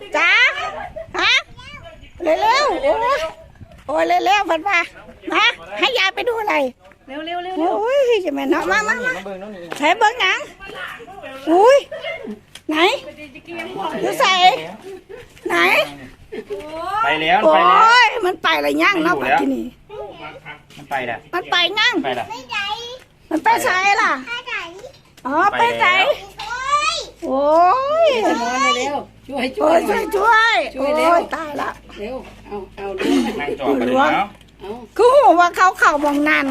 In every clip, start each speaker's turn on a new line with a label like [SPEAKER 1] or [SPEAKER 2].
[SPEAKER 1] จ้าฮะเร็วๆโอ้ยเร็วๆพันมานะให้ยายไปดูอะไรเร็วโอ้ยจะแม่เนาะมาใช้เบิ้งหนังอุ้ยไหนดูใส่ไหน
[SPEAKER 2] ไปแล้ว
[SPEAKER 1] โอ้ยมันไปอะไรย่างเนาะปัจจุบัน
[SPEAKER 2] มันไปแล้ว
[SPEAKER 1] มันไปย่าง
[SPEAKER 2] ไปแล้ว
[SPEAKER 1] มันไปใส่ล่ะอ๋อไปใส่โอ้ย
[SPEAKER 3] เร็วช่วย
[SPEAKER 1] โอ้ยช่วยโอ้ยตายละ
[SPEAKER 3] เร็วเอา
[SPEAKER 2] นั่งจอดกันเลยแล้ว
[SPEAKER 1] คือหัวว่าเขาเข่ามองนั่น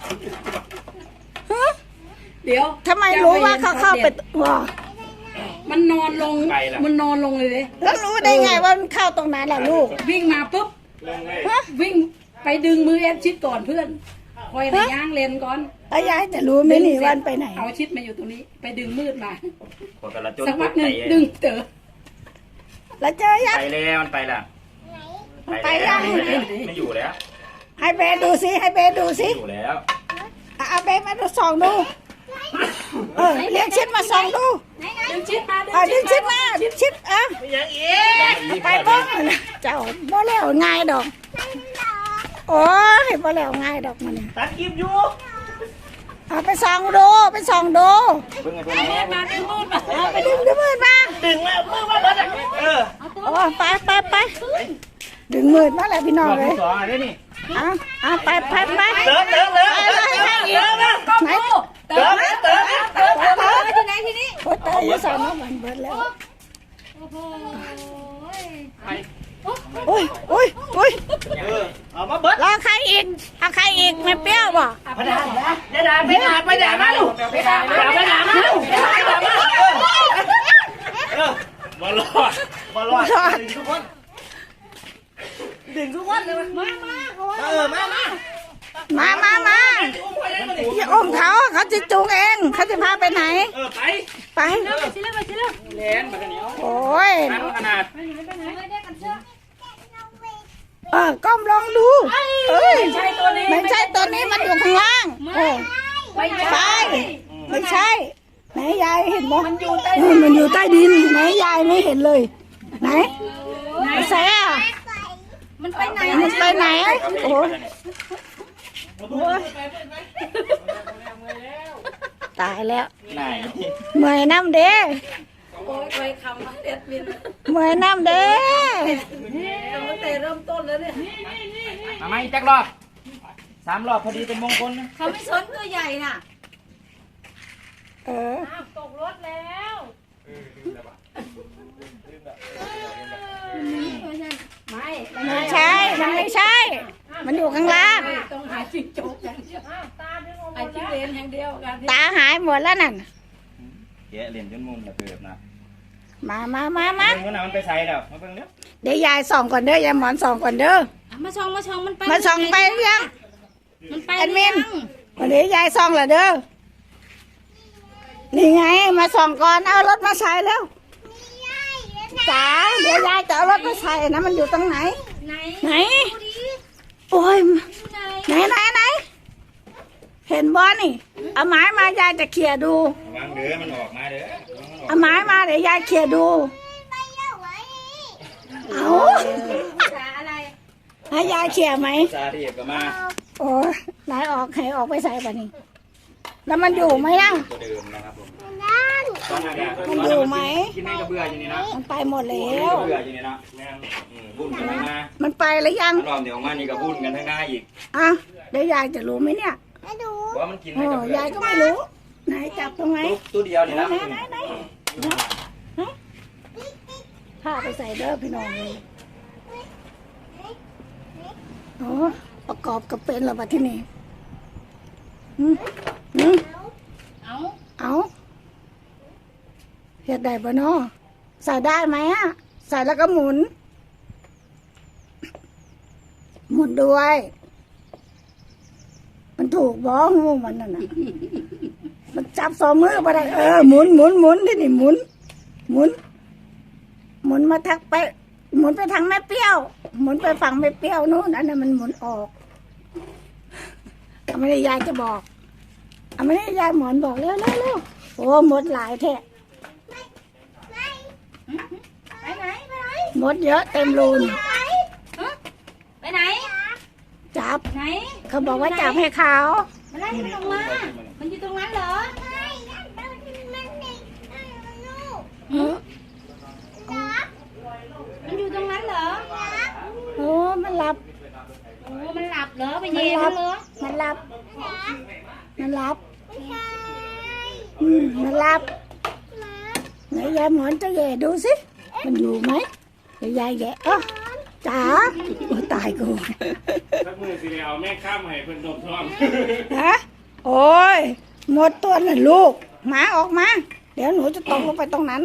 [SPEAKER 3] เดี๋ยว
[SPEAKER 1] ทำไมรู้ว่าเขาเข้าไปว่า
[SPEAKER 3] มันนอนลงเลยเลย
[SPEAKER 1] แล้วรู้ได้ไงว่ามันเข้าตรงนั้นล่ะลูก
[SPEAKER 3] วิ่งมาปุ๊บวิ่งไปดึงมือแอนชิดก่อนเพื่อนคอยในย่างเลนก่อน
[SPEAKER 1] แล้วยายจะรู้ไหมนี่วันไปไหน
[SPEAKER 3] เอาชิดมาอยู่ตรงนี้ไปดึงมืดมา
[SPEAKER 2] สั
[SPEAKER 3] กพักหนึ่งดึงเจอ
[SPEAKER 1] แล้วเจอยัง
[SPEAKER 2] ไปแล้วมันไปละ
[SPEAKER 1] ไปยัง
[SPEAKER 2] ไม่อยู่แล้ว
[SPEAKER 1] ให้เบดูสิให้เบดูสิ
[SPEAKER 2] อยู่แล้ว
[SPEAKER 1] เอาเบมาดูส่องดูเรียกชิดมาส่องดู
[SPEAKER 3] ดึงชิดมา
[SPEAKER 1] ดึงชิดมาชิดไปบ้างเจ้าบ่แล้วง่ายดอกโอ้ยบ่แล้วง่ายดอกมัน
[SPEAKER 2] ตัดคลิปอยู่
[SPEAKER 1] เอาไปส่องดูไปส่องดู
[SPEAKER 3] มาดึงมืดมา
[SPEAKER 1] ไปดึงมืดมา
[SPEAKER 2] ดึงแล้วมืดมา
[SPEAKER 1] โอ้ไปดึงมืดมาแล้วพี่น้องเลยไป
[SPEAKER 2] เติม
[SPEAKER 1] ไหนที่นี่โอ้เตยสอนน้องมันเบิดแล้วโอ้ย
[SPEAKER 2] เอามาเบิด
[SPEAKER 1] รอใครอีกเอาใครอีกไม่เปรี้ยวบ่
[SPEAKER 2] ไปด่ามาลูกไปด่ามาลูกบอลลอดดึงทุกคนเลยมา
[SPEAKER 1] อย่าอมเขาจะจูงเองเขาจะพาไปไหนไป
[SPEAKER 2] เลนมากันเหนียว
[SPEAKER 1] โอ้ย
[SPEAKER 2] ขนาด
[SPEAKER 1] ก้มลองดูไม่ใช่ตัวนี้มันอยู่ข้างล่างไม่ใช่ไหนยายเห็นบ่มันอยู่ใต้ดินไหนยายไม่เห็นเลยไหนแซ่มันไปไหนโอ้ตายแล้วเมื่อยน้ำเด้เมื่อยน้ำเด้
[SPEAKER 3] ตั้งแต่เริ่มต้นแล้วเนี่ย
[SPEAKER 2] มาไม่จักรอบ3 รอบพอดีเป็นมงคลนะ
[SPEAKER 3] เขาไม่สนตัวใหญ่น่ะ
[SPEAKER 1] ตกรถแล้วไม่ใช่มันไม่ใช่มันอยู่ข้างล่าง
[SPEAKER 3] ต้องหาจิ้งจกอย่างเดียวไอ้จิ้งเลนอย่างเดียว
[SPEAKER 1] ตาหายหมดแล้วนั่น
[SPEAKER 2] แกะเหรียญจนมุมระเบิดนะ
[SPEAKER 1] มา
[SPEAKER 2] เมื่อไหร่มันไปใส่แล้วมาเพิ่งเนี้ย
[SPEAKER 1] เดี๋ยวยายส่องก่อนเด้อยายหมอนส่องก่อนเด้อ
[SPEAKER 3] มาส่องมันไป
[SPEAKER 1] มาส่องไปยัง
[SPEAKER 3] มันไป
[SPEAKER 1] แอดมินวันนี้ยายส่องเหรอเด้อนี่ไงมาส่องก่อนเอารถมาใส่แล้วจ๋าเดี๋ยวยายจะเอารถมาใส่นะมันอยู่ตรงไหนโอ้ยไหนเห็นบ่นี่เอาไม้มายายจะเขี่ยดู
[SPEAKER 2] วางเด้อมันออกมาเด้อ
[SPEAKER 1] เอาไม้มาเดี๋ยวยายเขี่ยดูเอาให้ยายเขี่ยไหม
[SPEAKER 2] ซาเรียกมา
[SPEAKER 1] โอ้ไหนออกให้ออกไปใส่ป่ะนี่แล้วมันอยู่ไหมยัง
[SPEAKER 2] ตัวเดิมนะครับผม
[SPEAKER 1] มันอยู่ไหม
[SPEAKER 2] กินไม่กระเบื่ออยู่นี่นะ
[SPEAKER 1] มันไปหมดแล้ว
[SPEAKER 2] เบื่ออยู่นี่นะบุญกันมา
[SPEAKER 1] มันไปแล้วยัง
[SPEAKER 2] รอบเดี๋ยวมานี่ก็บุญกันทั้งหน้าอีก
[SPEAKER 1] เดี๋ยวยายจะรู้ไหมเนี่ย
[SPEAKER 2] ไม่รู้ว่ามันกินไม่กระเบื่
[SPEAKER 1] อยายก็ไม่รู้ไหนจับตรงไหน
[SPEAKER 2] ตัวเดียวนี่นะ
[SPEAKER 1] ผ้าไปใส่เด้อพี่น้องเลยโอ้ประกอบกับเป็นหรอปะที่นี่เอาเฮ็ดได้ปะเนาะใส่ได้ไหมใส่แล้วก็หมุนด้วยมันถูกบ้องงูมันน่ะมันจับ2 มือมาได้หมุนที่นี่หมุนมาทักไปหมุนไปทางแม่เปรี้ยวหมุนไปฝั่งแม่เปรี้ยวนู้นอันนั้นมันหมุนออกไม่ได้ยายจะบอกไม่ได้ยายหมอนบอกเร็วโอ้หมดหลายแท้ไปไหนมดเยอะเต็มรูน
[SPEAKER 3] ไปไหน
[SPEAKER 1] จับ
[SPEAKER 3] ไหน
[SPEAKER 1] เขาบอกว่าจับให้เขา
[SPEAKER 3] มันไล่มันลงมา มันอยู่ตรงนั้นเหรอ
[SPEAKER 1] หือ
[SPEAKER 3] มันอยู่ตรงนั้นเหรอ
[SPEAKER 1] โอ้มันหลับ
[SPEAKER 3] โอ้มันหลับเหรอ ไปเย่มันเหรอ
[SPEAKER 1] มันหลับ มันหลับมันหลับไหนยายหมอนจะแย่ดูสิ มันอยู่ไหมเดี๋ยวยายแย่อ๋อจ๋าโอ้ตายกู
[SPEAKER 4] สักมือสิเอาแม่ข้ามให้เพิ่นดมท้อง
[SPEAKER 1] ฮะโอ้ยหมดตัวน่ะลูกหมาออกมา เดี๋ยวหนูจะตกลงไปตรงนั้น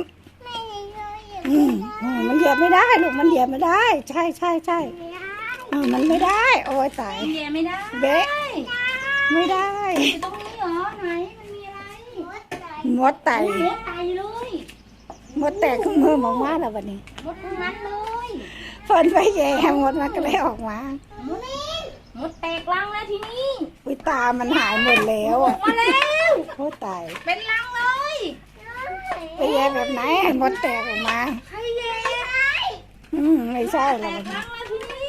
[SPEAKER 1] มันเหยียบไม่ได้ลูกมันเหยียบไม่ได้ ใช่ใช่ใช่มันไม่ได้ โอ้ยตาย
[SPEAKER 3] เย่ไม่ได้
[SPEAKER 1] เบะไม่ได้
[SPEAKER 3] อยู่ตรงนี้เหรอ ไหน มันมีอะไร
[SPEAKER 1] หมดไต
[SPEAKER 3] โอ้โหไตเลย
[SPEAKER 1] หมดแตกขึ้นมือออกมาแล้ววันนี้
[SPEAKER 3] หมดตรงนั้นเลย
[SPEAKER 1] เฟินไปแย่หมดมันก็เลยออกมา
[SPEAKER 3] หมดแตกรังแล้วทีนี้
[SPEAKER 1] อุ้ยตามันหายหมดแล้ว
[SPEAKER 3] ออ
[SPEAKER 1] อ่ะ
[SPEAKER 3] กมาแล้ว
[SPEAKER 1] โอ้ยตาย
[SPEAKER 3] เป็นรังเลย
[SPEAKER 1] ไปแย่แบบไหนให้หมดแตกออกมา
[SPEAKER 3] ใครเย่
[SPEAKER 1] ไม่ใช่หร
[SPEAKER 3] แต
[SPEAKER 1] อก
[SPEAKER 3] กรังแล้วทีนี้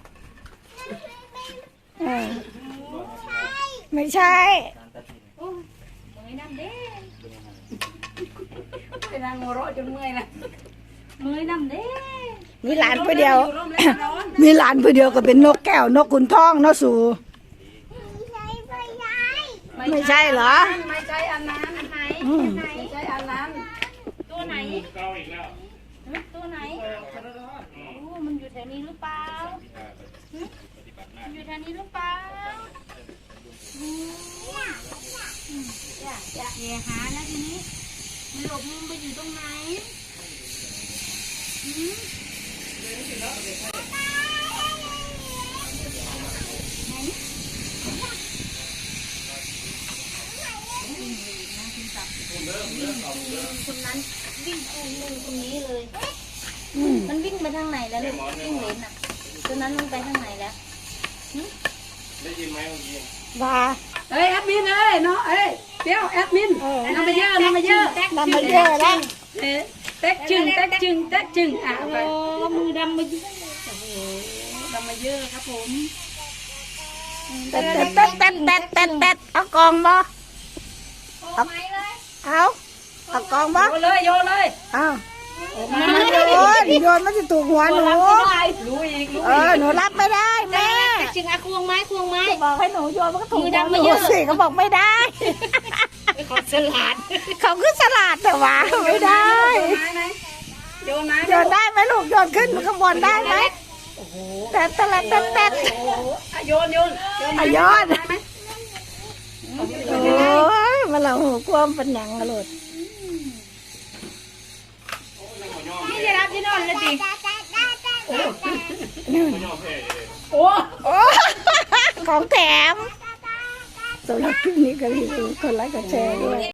[SPEAKER 1] ไม่ใช่
[SPEAKER 3] เมื่อยน้ำเด้ไปนั่งหัวเราะจนเมื่อยละเมื่อยน้ำเด้
[SPEAKER 1] มีหลานผู้เดียว
[SPEAKER 3] อยู่ร่มแล้วร้อน
[SPEAKER 1] มีหลานผู้เดียวก็เป็นนกแก้วนกขุนทองเนาะสูไม่ใช่เหรอ
[SPEAKER 3] ไม่ใช่อันนั้นไหน
[SPEAKER 1] อืม
[SPEAKER 3] ไม่ใช่อันนั้น ตัวไหน
[SPEAKER 4] เก้าอีกแล้ว
[SPEAKER 3] ตัวไหนโอ้มันอยู่แถวนี้หรือเปล่ามันอยู่แถวนี้หรือเปล่าอย่าหานะทีนี้มันหลบมุมไปอยู่ตรงไหนคนนั้นวิ่งตรงนี้เลย มันวิ่งไปทางไหนแล้วลูกวิ่งเลนอ่ะตัวนั้นลงไปทางไหนแล้ว
[SPEAKER 4] ได้ยินไหมเมื่อกี้
[SPEAKER 1] ว่า
[SPEAKER 3] เอ้ยแอดมินเอ้ยเนาะเอ้ยเดี๋ยวแอดมินนำมาเยอะนำมาเยอะ
[SPEAKER 1] นำมาเยอะแล้ว
[SPEAKER 3] เต๊กจึงอ่ะไปมือดำมาเยอะโอ้โหดำมาเยอะครับผม
[SPEAKER 1] เต็ดเอากองบ่เอากองบ่
[SPEAKER 3] โยนเลย
[SPEAKER 1] เอาโยนมันจะถูกหัวหนู
[SPEAKER 3] รู้อีก
[SPEAKER 1] หนูรับไม่ได้แม่
[SPEAKER 3] จึงอะควงไม้
[SPEAKER 1] บอกให้หนูโยนมันก็ถูก
[SPEAKER 3] มือ
[SPEAKER 1] หัว
[SPEAKER 3] ดำ
[SPEAKER 1] ห
[SPEAKER 3] มา
[SPEAKER 1] นู
[SPEAKER 3] เยอะ
[SPEAKER 1] สิเขาบอกไม่ได้
[SPEAKER 3] ขอสลัด
[SPEAKER 1] เขาคือฉลาดแต่ว่าไม่ได้
[SPEAKER 3] โยนไม้
[SPEAKER 1] โยนได้ไหมลูกโยนขึ้นข้างบนได้ไหมแต่
[SPEAKER 3] โยน
[SPEAKER 1] โยนโอ้ยมาเราหูความเป็นหยังกระโดด
[SPEAKER 3] นี่จะรับที่นอนเลยดิ
[SPEAKER 1] โอ้ของแถมสำหรับคลิปนี้ก็รีวิวคนไลค์กดแชร์ด้วย